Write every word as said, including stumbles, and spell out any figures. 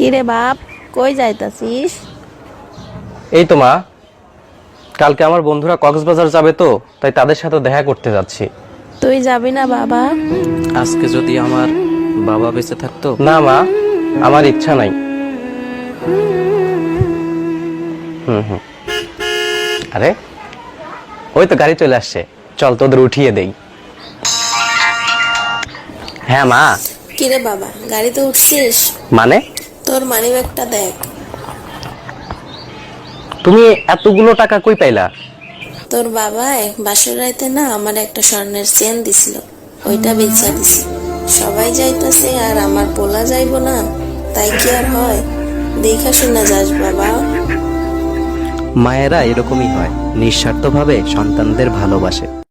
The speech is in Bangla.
কিরে বাপ, কই যাইতাছিস? এই তো মা, কালকে আমার বন্ধুরা কক্সবাজার যাবে তো, তাই তাদের সাথে দেখা করতে যাচ্ছি। তুই যাবি না বাবা? আজকে যদি আমার বাবা বেঁচে থাকতো। না মা, আমার ইচ্ছা নাই। হুম হুম আরে ওই তো গাড়ি চলে আসছে, চল তোদের উঠিয়ে দেই। হ্যাঁ মা। কিরে বাবা, গাড়িতে উঠছিস? মানে? তোর মানিব্যাগটা দেখ। তুমি এতগুলো টাকা কই পাইলা? তোর বাবাই বাসর রাইতে না আমার একটা স্বর্ণের চেন দিছিল, ওইটা বেচা দিছি। সবাই যাইতাছে আর আমার পোলা যাইবো না, তাই কি আর হয়? দেখা শুনা যাস বাবা। মায়েরা এরকমই হয়, নিঃস্বার্থভাবে সন্তানদের ভালোবাসে।